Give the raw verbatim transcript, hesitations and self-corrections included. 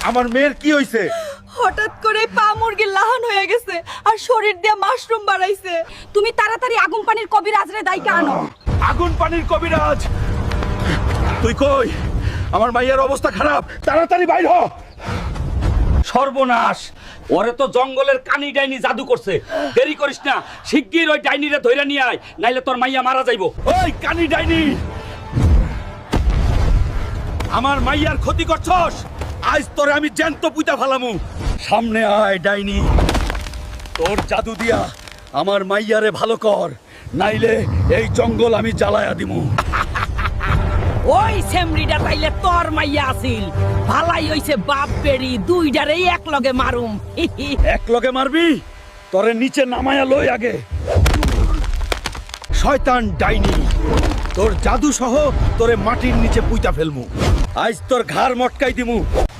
আমার মেয়ের কি হইছে? হঠাৎ করে পা মুরগির লাহান হয়ে গেছে আর শরীর দিয়ে মাশরুম বাড়াইছে। তুমি তাড়াতাড়ি আগুন পানির কবিরাজরে দাইকা আনো। আগুন পানির কবিরাজ? তুই কই? আমার মাইয়ার অবস্থা খারাপ, তাড়াতাড়ি বাইর হ। সর্বনাশ, ওরে তো জঙ্গলের কানি ডাইনি জাদু করছে। দেরি করিস না, শিগগির ওই ডাইনিরে ধইরা নিয়ে আয়, নাইলে তোর মাইয়া মারা যাইবো। ওই কানি ডাইনি, আমার মাইয়ার ক্ষতি করছস, আজ তোরে আমি জ্যান্ত পুইতা ফালামু। সামনে আয় ডাইনি, তোর জাদু দিয়া আমার মাইয়ারে ভালো কর, নাইলে এই জঙ্গল আমি জ্বালায়া দিমু। ওই সেমরিটা তাইলে তোর মাইয়া আছিল। ভালাই হইছে বাপ বেড়ি দুইটারেই এক লগে মারুম। এক লগে মারবি? তোরে নিচে নামায়া লই আগে। শয়তান ডাইনি, তোর জাদু সহ তোরে মাটির নিচে পুইতা ফেলমু। আজ তোর ঘাড় মটকাই দিমু।